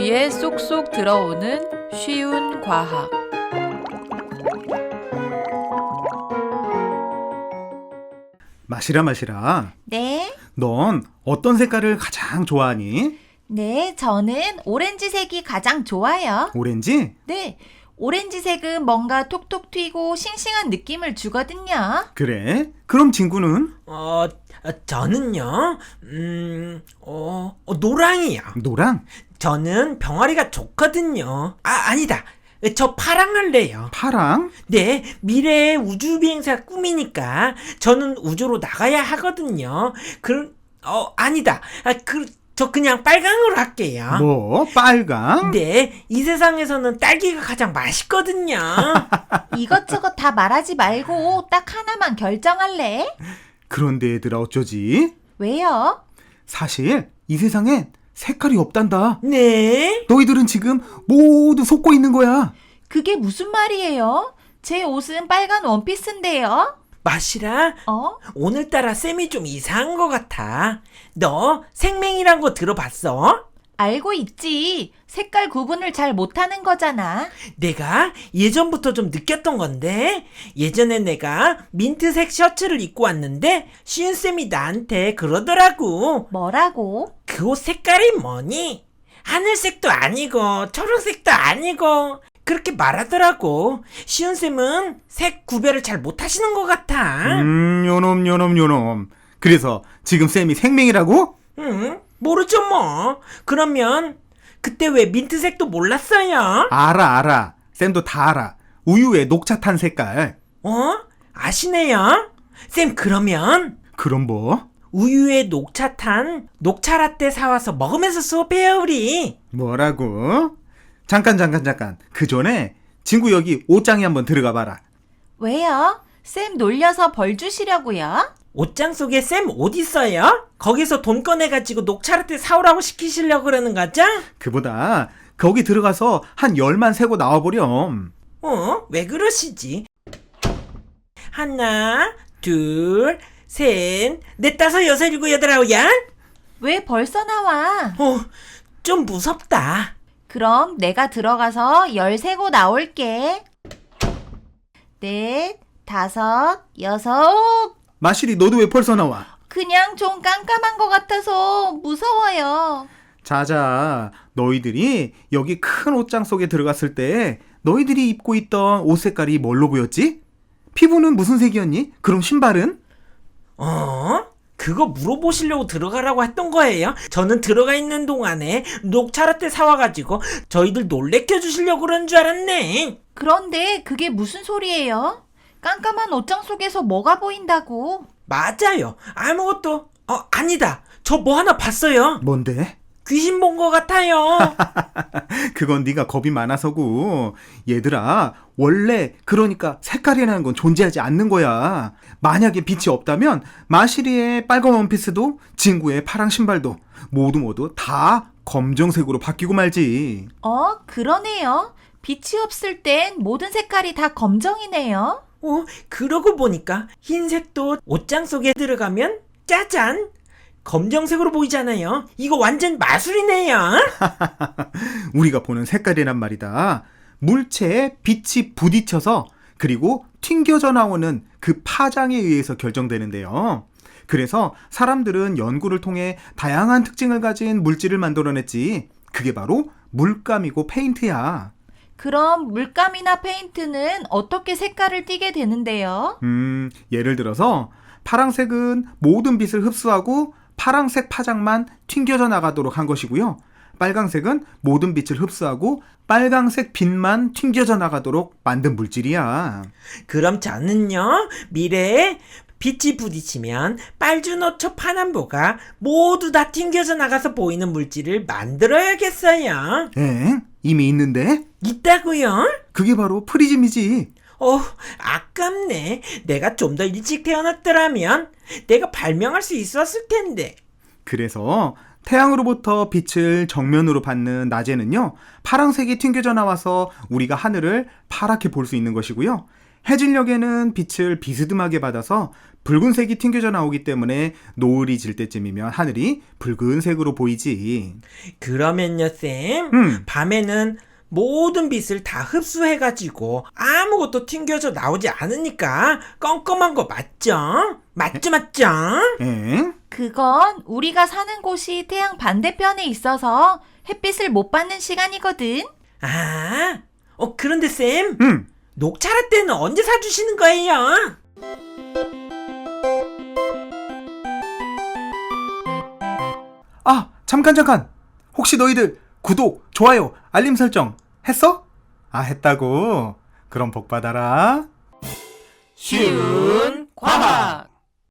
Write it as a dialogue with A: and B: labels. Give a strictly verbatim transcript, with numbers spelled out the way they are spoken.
A: 귀에 쏙쏙 들어오는 쉬운 과학.
B: 마시라 마시라.
C: 네,
B: 넌 어떤 색깔을 가장 좋아하니?
C: 네, 저는 오렌지색이 가장 좋아요.
B: 오렌지?
C: 네, 오렌지색은 뭔가 톡톡 튀고 싱싱한 느낌을 주거든요.
B: 그래? 그럼 친구는?
D: 어, 저는요, 음, 어, 어, 노랑이요.
B: 노랑?
D: 저는 병아리가 좋거든요. 아, 아니다. 저 파랑 할래요.
B: 파랑?
D: 네, 미래의 우주 비행사 꿈이니까 저는 우주로 나가야 하거든요. 그, 어, 아니다. 아, 그, 저 그냥 빨강으로 할게요.
B: 뭐? 빨강?
D: 네, 이 세상에서는 딸기가 가장 맛있거든요.
C: 이것저것 다 말하지 말고 딱 하나만 결정할래?
B: 그런데 얘들아 어쩌지?
C: 왜요?
B: 사실 이 세상엔 색깔이 없단다.
D: 네?
B: 너희들은 지금 모두 속고 있는 거야.
C: 그게 무슨 말이에요? 제 옷은 빨간 원피스인데요.
D: 마시라,
C: 어?
D: 오늘따라 쌤이 좀 이상한 것 같아. 너 생맹이란 거 들어봤어?
C: 알고 있지. 색깔 구분을 잘 못하는 거잖아.
D: 내가 예전부터 좀 느꼈던 건데, 예전에 내가 민트색 셔츠를 입고 왔는데 시은쌤이 나한테 그러더라고.
C: 뭐라고?
D: 그 옷 색깔이 뭐니? 하늘색도 아니고 초록색도 아니고 그렇게 말하더라고. 시은쌤은 색 구별을 잘 못하시는 것 같아.
B: 음, 요놈 요놈 요놈. 그래서 지금 쌤이 생맹이라고?
D: 응? 모르죠 뭐. 그러면 그때 왜 민트색도 몰랐어요?
B: 알아 알아. 쌤도 다 알아. 우유에 녹차 탄 색깔.
D: 어? 아시네요? 쌤, 그러면
B: 그럼 뭐?
D: 우유에 녹차 탄 녹차 라떼 사와서 먹으면서 수업해요 우리.
B: 뭐라고? 잠깐 잠깐 잠깐. 그 전에 친구 여기 옷장에 한번 들어가 봐라.
C: 왜요? 쌤 놀려서 벌 주시려고요?
D: 옷장 속에 쌤 옷 있어요? 거기서 돈 꺼내가지고 녹차 라떼 사오라고 시키시려고 그러는 거죠?
B: 그보다 거기 들어가서 한 열만 세고 나와보렴.
D: 어? 왜 그러시지? 하나, 둘, 셋, 넷, 다섯, 여섯, 일곱, 여덟, 아홉, 야?
C: 왜 벌써 나와?
D: 어, 좀 무섭다.
C: 그럼 내가 들어가서 열 세고 나올게. 넷, 다섯, 여섯.
B: 마실이 너도 왜 벌써 나와?
C: 그냥 좀 깜깜한 것 같아서 무서워요.
B: 자자, 너희들이 여기 큰 옷장 속에 들어갔을 때 너희들이 입고 있던 옷 색깔이 뭘로 보였지? 피부는 무슨 색이었니? 그럼 신발은?
D: 어? 그거 물어보시려고 들어가라고 했던 거예요? 저는 들어가 있는 동안에 녹차 라떼 사와가지고 저희들 놀래켜 주시려고 그런 줄 알았네.
C: 그런데 그게 무슨 소리예요? 깜깜한 옷장 속에서 뭐가 보인다고?
D: 맞아요. 아무것도, 어, 아니다. 저 뭐 하나 봤어요.
B: 뭔데?
D: 귀신 본 것 같아요.
B: 그건 네가 겁이 많아서고. 얘들아, 원래 그러니까 색깔이라는 건 존재하지 않는 거야. 만약에 빛이 없다면 마시리의 빨간 원피스도 친구의 파랑 신발도 모두 모두 다 검정색으로 바뀌고 말지.
C: 어, 그러네요. 빛이 없을 땐 모든 색깔이 다 검정이네요.
D: 어, 그러고 보니까 흰색도 옷장 속에 들어가면 짜잔! 검정색으로 보이잖아요. 이거 완전 마술이네요.
B: 우리가 보는 색깔이란 말이다. 물체에 빛이 부딪혀서 그리고 튕겨져 나오는 그 파장에 의해서 결정되는데요. 그래서 사람들은 연구를 통해 다양한 특징을 가진 물질을 만들어냈지. 그게 바로 물감이고 페인트야.
C: 그럼 물감이나 페인트는 어떻게 색깔을 띠게 되는데요?
B: 음, 예를 들어서 파랑색은 모든 빛을 흡수하고 파랑색 파장만 튕겨져 나가도록 한 것이고요. 빨강색은 모든 빛을 흡수하고 빨강색 빛만 튕겨져 나가도록 만든 물질이야.
D: 그럼 저는요, 미래에 빛이 부딪히면 빨주노초 파남보가 모두 다 튕겨져 나가서 보이는 물질을 만들어야겠어요.
B: 엥? 이미 있는데?
D: 있다고요?
B: 그게 바로 프리즘이지.
D: 어, 아깝네. 내가 좀 더 일찍 태어났더라면 내가 발명할 수 있었을 텐데.
B: 그래서 태양으로부터 빛을 정면으로 받는 낮에는요, 파랑색이 튕겨져 나와서 우리가 하늘을 파랗게 볼 수 있는 것이고요. 해질녘에는 빛을 비스듬하게 받아서 붉은색이 튕겨져 나오기 때문에 노을이 질 때쯤이면 하늘이 붉은색으로 보이지.
D: 그러면요, 쌤.
B: 음,
D: 밤에는 모든 빛을 다 흡수해가지고 아무것도 튕겨져 나오지 않으니까 껌껌한 거 맞죠? 맞죠, 맞죠?
B: 엥?
C: 그건 우리가 사는 곳이 태양 반대편에 있어서 햇빛을 못 받는 시간이거든.
D: 아, 어, 그런데 쌤,
B: 음,
D: 녹차라떼는 언제 사주시는 거예요?
B: 아, 잠깐 잠깐. 혹시 너희들 구독, 좋아요, 알림 설정 했어? 아, 했다고? 그럼 복 받아라.
A: 쉬운 과학.